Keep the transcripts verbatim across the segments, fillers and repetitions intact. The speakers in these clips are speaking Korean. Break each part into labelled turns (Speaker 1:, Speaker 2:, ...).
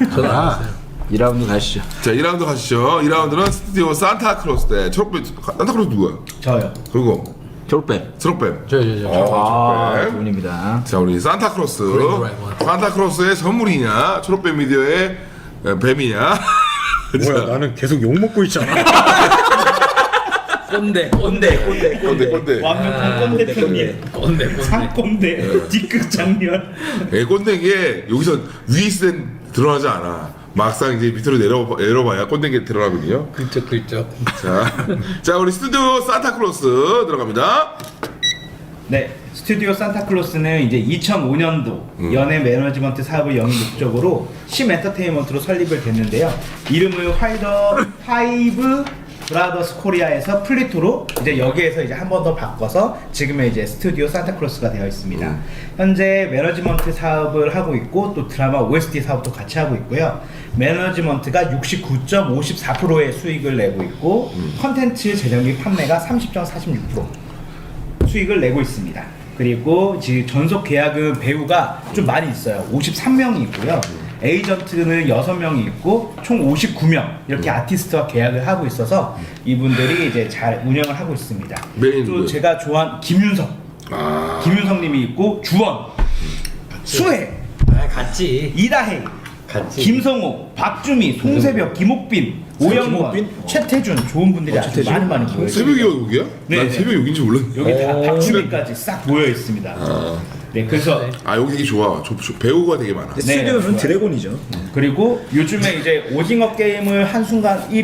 Speaker 1: 저도 안 왔어요.
Speaker 2: 이 라운드 가시죠.
Speaker 3: 자, 이 라운드 가시죠. 이 라운드는 스튜디오 산타클로스 대 초록뱀. 산타클로스 누구야?
Speaker 4: 저요.
Speaker 3: 그리고
Speaker 2: 초록뱀.
Speaker 3: 초록뱀.
Speaker 1: 저, 저, 저.
Speaker 3: 어,
Speaker 2: 아,
Speaker 3: 초록뱀.
Speaker 2: 두 분입니다.
Speaker 3: 자, 우리 산타클로스.
Speaker 1: 그린 드라이버.
Speaker 3: 산타클로스의 선물이냐? 초록뱀 미디어의 뱀이냐?
Speaker 5: 뭐야 나는 계속 욕 먹고 있잖아.
Speaker 1: 꼰대, 꼰대, 꼰대,
Speaker 3: 꼰대, 꼰대.
Speaker 4: 완벽한 꼰대 편이에요.
Speaker 1: 꼰대, 꼰대.
Speaker 4: 상꼰대 뒷극 장면.
Speaker 3: 애 꼰대게 여기서 위에 있을 땐 드러나지 않아. 막상 이제 밑으로 내려, 내려봐야 꼰대게 드러나거든요.
Speaker 1: 그쪽, 그쪽.
Speaker 3: 자, 자, 우리 스튜디오 산타클로스 들어갑니다.
Speaker 4: 네, 스튜디오 산타클로스는 이제 이천오 년도
Speaker 3: 음.
Speaker 4: 연예 매니지먼트 사업을 영위 목적으로 심 엔터테인먼트로 설립을 됐는데요. 이름을 화이더 파이브 브라더스 코리아에서 플리토로 이제 여기에서 이제 한 번 더 바꿔서 지금의 이제 스튜디오 산타클로스가 되어 있습니다.
Speaker 3: 음.
Speaker 4: 현재 매니지먼트 사업을 하고 있고 또 드라마 오에스티 사업도 같이 하고 있고요. 매니지먼트가 육십구 점 오십사 퍼센트의 수익을 내고 있고
Speaker 3: 음.
Speaker 4: 컨텐츠 제작 및 판매가 삼십 점 사십육 퍼센트 수익을 내고 있습니다. 그리고 지금 전속 계약은 배우가 좀 많이 있어요. 오십삼 명이 있고요. 에이전트는 여섯 명이 있고 총 오십구 명 이렇게 아티스트와 계약을 하고 있어서 이분들이 이제 잘 운영을 하고 있습니다.
Speaker 3: 메인
Speaker 4: 또
Speaker 3: 누구예요?
Speaker 4: 제가 좋아하는 김윤석,
Speaker 3: 아,
Speaker 4: 김윤석 님이 있고 주원, 수혜,
Speaker 1: 아, 같지.
Speaker 4: 이다혜,
Speaker 1: 같지.
Speaker 4: 김성호, 박주미, 송세벽, 김옥빈, 오영권,
Speaker 2: 김옥빈?
Speaker 4: 최태준 좋은 분들이 아주
Speaker 2: 최태준?
Speaker 4: 많이 많이 모여 있습니다.
Speaker 3: 새벽이 여기야?
Speaker 4: 네,
Speaker 3: 난
Speaker 4: 네.
Speaker 3: 새벽 여기인지 몰랐네.
Speaker 4: 여기 다
Speaker 1: 오.
Speaker 4: 박주미까지 싹 모여 있습니다.
Speaker 3: 아,
Speaker 4: 네, 그래서
Speaker 3: 아 여기 되게 좋아. 조, 조, 배우가 되게 많아.
Speaker 4: 네,
Speaker 2: 스튜디오는
Speaker 4: 좋아요.
Speaker 2: 드래곤이죠.
Speaker 4: 그리고 요즘에 이제 오징어 게임을 한순간 일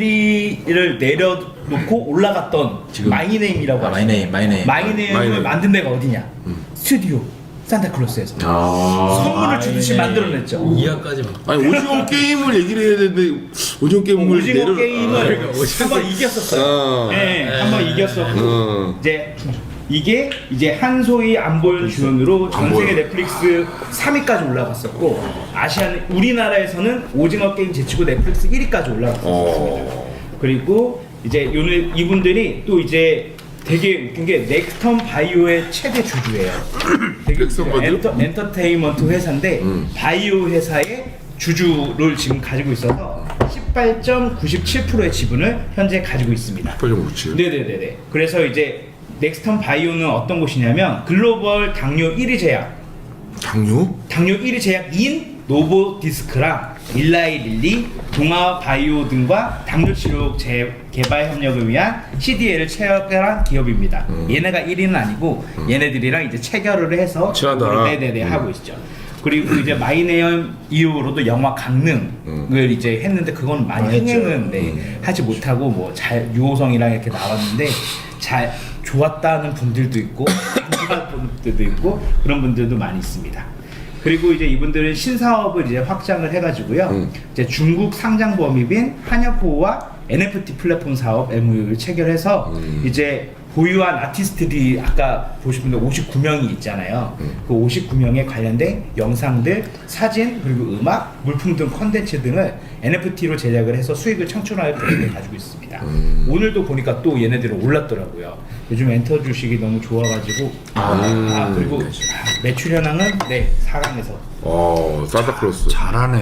Speaker 4: 위를 내려놓고 올라갔던
Speaker 2: 지금-
Speaker 4: 마이네임이라고
Speaker 2: 아,
Speaker 4: 하죠.
Speaker 2: 마이네임, 마이네임.
Speaker 4: 마이네임을
Speaker 3: 마이네임.
Speaker 4: 만든 데가 어디냐? 스튜디오 산타클로스에서
Speaker 2: 아.
Speaker 4: 선물을 주듯이 만들어냈죠.
Speaker 1: 이하까지 막.
Speaker 3: 아니 오징어 게임을 얘기를 해야 되는데 오징어 게임을
Speaker 4: 오징어
Speaker 3: 내려.
Speaker 4: 게임을
Speaker 1: 아,
Speaker 4: 한 번 이겼었어요.
Speaker 3: 아.
Speaker 4: 네, 한 번 이겼었고
Speaker 3: 어.
Speaker 4: 이제 이게 이제 한소희 안보현 주연으로 전 세계
Speaker 3: 안보현.
Speaker 4: 넷플릭스 삼 위까지 올라갔었고 아시안 우리나라에서는 오징어 게임 제치고 넷플릭스 일 위까지 올라갔었습니다.
Speaker 3: 어.
Speaker 4: 그리고 이제 오늘 이분들이 또 이제 되게 웃긴 게 넥스턴 바이오의 최대 주주예요. 되게
Speaker 3: 넥스턴
Speaker 4: 웃겨요.
Speaker 3: 바이오?
Speaker 4: 엔터, 엔터테인먼트 회사인데
Speaker 3: 음.
Speaker 4: 바이오 회사의 주주를 지금 가지고 있어서 십팔 점 구십칠 퍼센트의 지분을 현재 가지고 있습니다.
Speaker 3: 팔 점 구칠.
Speaker 4: 네네네네. 그래서 이제 넥스턴 바이오는 어떤 곳이냐면 글로벌 당뇨 일 위 제약,
Speaker 3: 당뇨?
Speaker 4: 당뇨 일 위 제약인 노보디스크랑 일라이 릴리, 동아 바이오 등과 당뇨 치료 재, 개발 협력을 위한 씨디에이를 체결한 기업입니다.
Speaker 3: 음.
Speaker 4: 얘네가 일 위는 아니고 얘네들이랑 이제 체결을 해서
Speaker 3: 친하다.
Speaker 4: 네네네
Speaker 3: 음.
Speaker 4: 하고 있죠. 그리고 이제 마이네임 이후로도 영화 강릉을
Speaker 3: 음.
Speaker 4: 이제 했는데 그건 많이
Speaker 2: 많이 했죠.
Speaker 4: 흥행은 네, 하지 못하고 뭐 잘 유호성이랑 이렇게 나왔는데 잘 좋았다는 분들도 있고 안 좋았다는 분들도 있고 그런 분들도 많이 있습니다. 그리고 이제 이분들은 신사업을 이제 확장을 해가지고요.
Speaker 3: 음.
Speaker 4: 이제 중국 상장 범위빈 한여포와 엔에프티 플랫폼 사업 엠오유를 체결해서
Speaker 3: 음.
Speaker 4: 이제 보유한 아티스트들이 아까 보신 분들 오십구 명이 있잖아요.
Speaker 3: 음.
Speaker 4: 그 오십구 명에 관련된 영상들, 사진, 그리고 음악, 물품 등 컨텐츠 등을 엔에프티로 제작을 해서 수익을 창출할 계획을 가지고 있습니다.
Speaker 3: 음.
Speaker 4: 오늘도 보니까 또 얘네들은 올랐더라고요. 요즘 엔터 주식이 너무 좋아가지고 아, 아, 그리고 아, 매출 현황은 네 사 강에서
Speaker 3: 어, 산타클로스.
Speaker 5: 잘하네.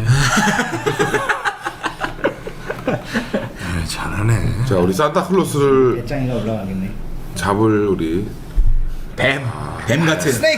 Speaker 5: 아, 잘하네.
Speaker 3: 자, 우리 산타클로스를
Speaker 4: 배짱이가 올라가겠네.
Speaker 3: 잡을 우리
Speaker 2: 뱀. 뱀 같은.
Speaker 4: 스네이크.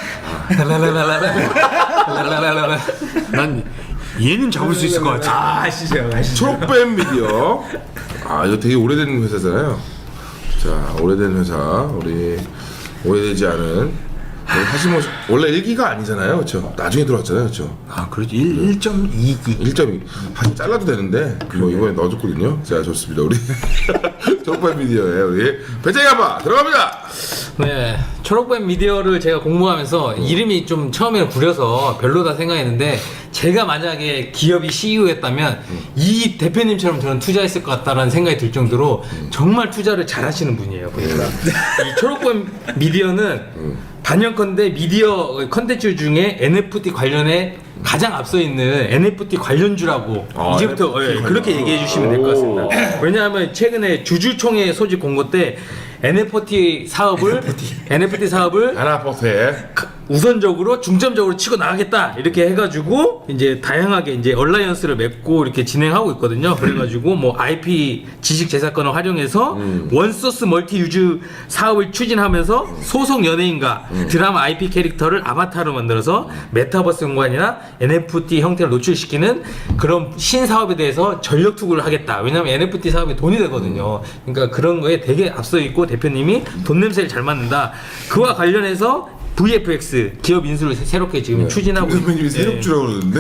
Speaker 5: 랄랄랄랄랄랄랄랄랄랄랄. 난 얘는 잡을 수 있을 것 같아.
Speaker 4: 아 아시죠, 아시죠.
Speaker 3: 초록뱀 미디어. 아, 이거 되게 오래된 회사잖아요. 자, 오래된 회사. 우리 오래되지 않은 우리 하시모 원래 일 기가 아니잖아요. 그렇죠? 나중에 들어왔잖아요. 그렇죠?
Speaker 5: 아, 그렇지. 일 점 이 기.
Speaker 3: 일 점이 사실 잘라도 되는데 뭐 이번에 넣어줬거든요. 자, 좋습니다. 우리 초록뱀 미디어에 우리 배짱이 아빠 들어갑니다.
Speaker 1: 네, 초록뱀 미디어를 제가 공부하면서 이름이 좀 처음에는 구려서 별로다 생각했는데 제가 만약에 기업이 씨이오였다면 이 대표님처럼 저는 투자했을 것 같다라는 생각이 들 정도로 정말 투자를 잘 하시는 분이에요. 보니까 이 초록뱀 미디어는 단연컨대 미디어 컨텐츠 중에 엔에프티 관련해 가장 앞서 있는 엔에프티 관련주라고
Speaker 3: 아,
Speaker 1: 이제부터
Speaker 3: 엔에프티
Speaker 1: 예, 그렇게
Speaker 3: 관련.
Speaker 1: 얘기해 주시면 될 것 같습니다. 왜냐하면 최근에 주주총회 소집 공고 때 엔에프티 사업을 엔에프티 사업을
Speaker 3: 아나포트에
Speaker 1: 우선적으로 중점적으로 치고 나가겠다 이렇게 해가지고 이제 다양하게 이제 얼라이언스를 맺고 이렇게 진행하고 있거든요. 그래가지고 뭐 아이피 지식 재산권을 활용해서
Speaker 3: 음.
Speaker 1: 원소스 멀티 유즈 사업을 추진하면서 소속 연예인과
Speaker 3: 음.
Speaker 1: 드라마 아이피 캐릭터를 아바타로 만들어서 메타버스 공간이나 엔에프티 형태를 노출시키는 그런 신사업에 대해서 전력 투구를 하겠다. 왜냐면 엔에프티 사업이 돈이 되거든요. 그러니까 그런 거에 되게 앞서 있고 대표님이 돈 냄새를 잘 맡는다. 그와 관련해서 브이에프엑스 기업 인수를 새- 새롭게 지금 추진하고
Speaker 3: 대표님이
Speaker 1: 있-
Speaker 3: 세력주라고 그러는데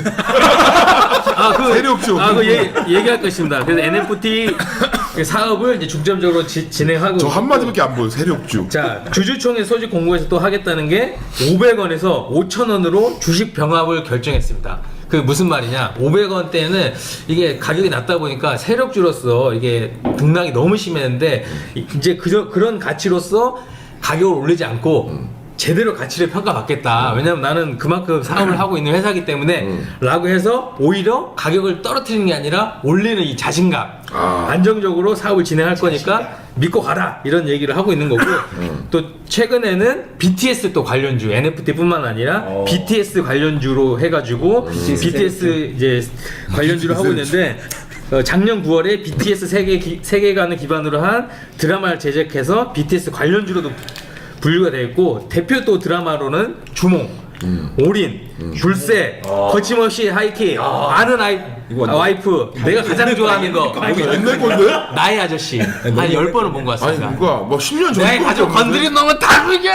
Speaker 1: 아, 그,
Speaker 3: 세력주.
Speaker 1: 아, 그 얘기, 얘기할 것입니다. 그래서 엔에프티 사업을 이제 중점적으로 지, 진행하고
Speaker 3: 저
Speaker 1: 있고.
Speaker 3: 한마디밖에 안 보여. 세력주.
Speaker 1: 자, 주주총회 소집 공고에서 또 하겠다는 게 오백 원에서 오천 원으로 주식 병합을 결정했습니다. 그 무슨 말이냐? 오백 원대는 이게 가격이 낮다 보니까 세력주로서 이게 등락이 너무 심했는데 이제 그, 그런 가치로서 가격을 올리지 않고 제대로 가치를 평가받겠다. 왜냐면 나는 그만큼 사업을 하고 있는 회사이기 때문에
Speaker 3: 음.
Speaker 1: 라고 해서 오히려 가격을 떨어뜨리는 게 아니라 올리는 이 자신감.
Speaker 3: 아.
Speaker 1: 안정적으로 사업을 진행할 거니까 믿고 가라. 이런 얘기를 하고 있는 거고
Speaker 3: 음.
Speaker 1: 또 최근에는 비티에스 또 관련주 엔에프티뿐만 아니라
Speaker 4: 어.
Speaker 1: 비티에스 관련주로 해가지고 비티에스 이제 관련주를 하고 있는데 어, 작년 구월에 비티에스 세계 기, 세계관을 기반으로 한 드라마를 제작해서 비티에스 관련주로도 분류가 되어 있고 대표 또 드라마로는 주몽, 올인, 줄세, 거침없이 하이킥, 아는 아이,
Speaker 2: 이거
Speaker 1: 아, 와이프, 내가 가장 좋아하는 거
Speaker 3: 옛날 건데?
Speaker 1: 나의 아저씨 한 열 번은 본 것
Speaker 3: 아니
Speaker 1: 같습니다.
Speaker 3: 누가 뭐 십 년 전에
Speaker 1: 나의 가족 건드린 놈은 다 죽여!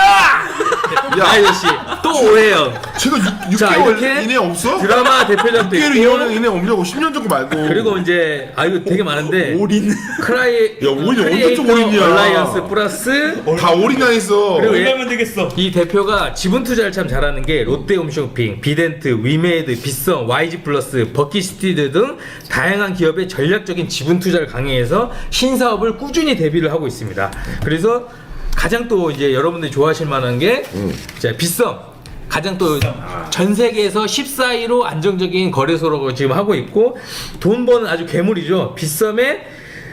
Speaker 1: 나의 아저씨 또 오해영.
Speaker 3: 제가 육
Speaker 1: 자,
Speaker 3: 개월
Speaker 1: 이렇게
Speaker 3: 이내 없어?
Speaker 1: 드라마 대표작도
Speaker 3: 육 개월
Speaker 1: 있고
Speaker 3: 이내 없냐고 십 년 전 거 말고.
Speaker 1: 그리고 이제 아 이거 되게 많은데
Speaker 2: 올인.
Speaker 1: 크라이
Speaker 3: 야, 올인 언제
Speaker 1: 크리에이터
Speaker 3: 좀 올인이야.
Speaker 1: 얼라이언스 플러스
Speaker 3: 다 올인당했어.
Speaker 1: 그리고 얘-
Speaker 4: 올려면 되겠어.
Speaker 1: 이 대표가 지분 투자를 참 잘하는 게 롯데홈쇼핑, 비덴트, 위메이드, 빗성, 와이지 플러스, 버킷시티드 등 다양한 기업의 전략적인 지분 투자를 강행해서 신사업을 꾸준히 대비를 하고 있습니다. 그래서 가장 또 이제 여러분들이 좋아하실 만한 게
Speaker 3: 음.
Speaker 1: 자, 빗성 가장 또 전 세계에서 십사 위로 안정적인 거래소로 지금 하고 있고 돈 버는 아주 괴물이죠. 빗썸에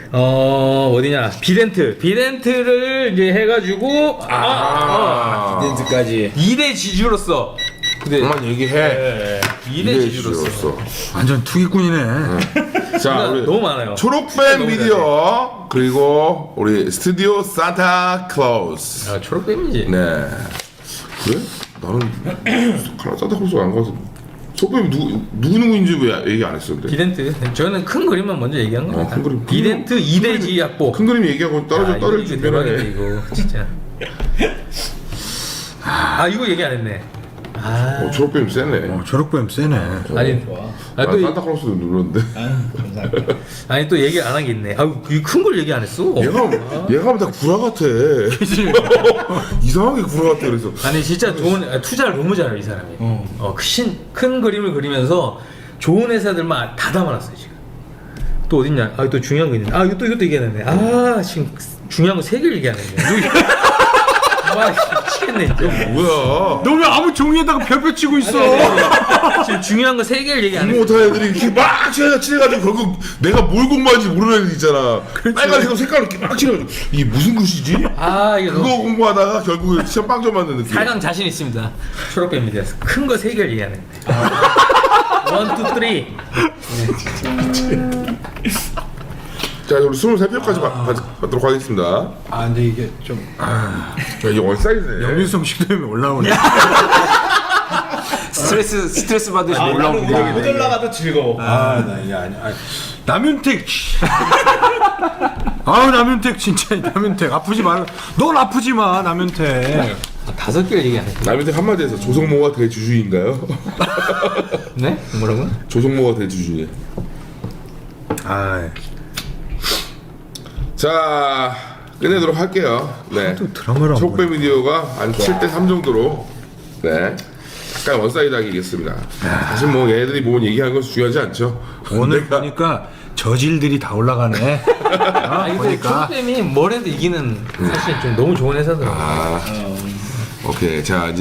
Speaker 1: 어 어디냐 비덴트 비덴트를 이제 해가지고 아,
Speaker 3: 아.
Speaker 2: 렌즈까지.
Speaker 1: 이 대 지주로서 근데
Speaker 3: 그만 얘기해.
Speaker 1: 이 대 지주로서
Speaker 3: 지주로서.
Speaker 5: 완전 투기꾼이네.
Speaker 3: 자, 우리
Speaker 1: 너무 많아요.
Speaker 3: 초록뱀 미디어 그리고 우리 스튜디오 산타 클로스.
Speaker 1: 아 초록뱀이지.
Speaker 3: 네. 그래? 나는 칼라 산타클로스가 안 가서 초록뱀 누구 누구 누구인지 왜 얘기 안 했어 근데?
Speaker 1: 비덴트 저는 큰 그림만 먼저 얘기한 겁니다.
Speaker 3: 어, 큰 그림.
Speaker 1: 비덴트 이 대 지 약보.
Speaker 3: 큰 그림 얘기하고 떨어져
Speaker 1: 아,
Speaker 3: 떨어질
Speaker 1: 이거 대박이네
Speaker 3: 준비하네.
Speaker 1: 이거 진짜. 아 이거 얘기 안 했네. 아
Speaker 3: 어, 초록뱀 세네.
Speaker 5: 어, 초록뱀 세네.
Speaker 1: 아니
Speaker 4: 좋아.
Speaker 1: 아,
Speaker 3: 난
Speaker 1: 또 이-
Speaker 3: 산타클로스도 눌렀는데.
Speaker 4: 아, 감사합니다.
Speaker 1: 아니 또 얘기 안 한 게 있네. 아큰 걸 얘기 안 했어.
Speaker 3: 얘가 얘가 하면 다 구라 같아. 이상하게 구라 같아 그래서.
Speaker 1: 아니 진짜 좋은 아, 투자를 너무 잘해요 이 사람이. 어큰 그림을 그리면서 좋은 회사들만 다 담아놨어요 지금. 또 어딨냐? 아 또 중요한 거 있는데. 아 이것도 이것도 얘기하는데. 아 지금 중요한 거 세 개를 얘기하네. 와 미치겠네 진짜.
Speaker 3: 뭐야?
Speaker 5: 너 왜 아무 종이에다가 별표 치고 있어?
Speaker 1: 지금 중요한 거 세 개를 얘기 안
Speaker 3: 공부
Speaker 1: 했어.
Speaker 3: 못하는 애들이 이렇게 막 칠해, 칠해가지고 결국 내가 뭘 공부하는지 모르는 애들 있잖아. 빨간색 색깔로 이렇게 막 칠해가지고 이게 무슨 글씨지?
Speaker 1: 아 이거
Speaker 3: 그거
Speaker 1: 너무
Speaker 3: 공부하다가 결국에 시험 빵점 맞는 느낌.
Speaker 1: 사강 자신 있습니다. 초록뱀입니다. 큰 거 세 개를 얘기하네. 원, 투, 쓰리.
Speaker 3: 자, 우리 스물세 표까지 아... 받도록 하겠습니다.
Speaker 5: 아 근데 이게 좀
Speaker 3: 야, 이게 원사이즈네.
Speaker 5: 영민성 식도염이 올라오네.
Speaker 2: 스트레스 스트레스 받으시면
Speaker 4: 아, 나는
Speaker 2: 올라오는
Speaker 4: 못 올라가도 즐거워.
Speaker 5: 아나 이게 아니 아니. 남윤택. 씨. 아우 남윤택 진짜 남윤택 아프지 마. 넌 아프지 마 남윤택.
Speaker 1: 아, 다섯 개를 얘기 안 했어.
Speaker 3: 남한테 한마디에서 조성모가 대주주인가요?
Speaker 1: 네? 뭐라고?
Speaker 3: 조성모가 대주주예.
Speaker 5: 아
Speaker 3: 자, 끝내도록 할게요. 네.
Speaker 5: 또 드라마를 안
Speaker 3: 초록뱀 미디어가 한 칠 대 삼 정도로 네. 약간 원사이드하게 이겼습니다. 사실 뭐 얘네들이 뭐 얘기하는 건 중요하지 않죠.
Speaker 5: 오늘
Speaker 3: 내가
Speaker 5: 보니까 저질들이 다 올라가네.
Speaker 1: 아, 이거
Speaker 5: 보니까.
Speaker 1: 초록뱀이 뭘 해도 이기는 사실 좀 너무 좋은 회사더라고요.
Speaker 3: 아, 오케이. 자, 이제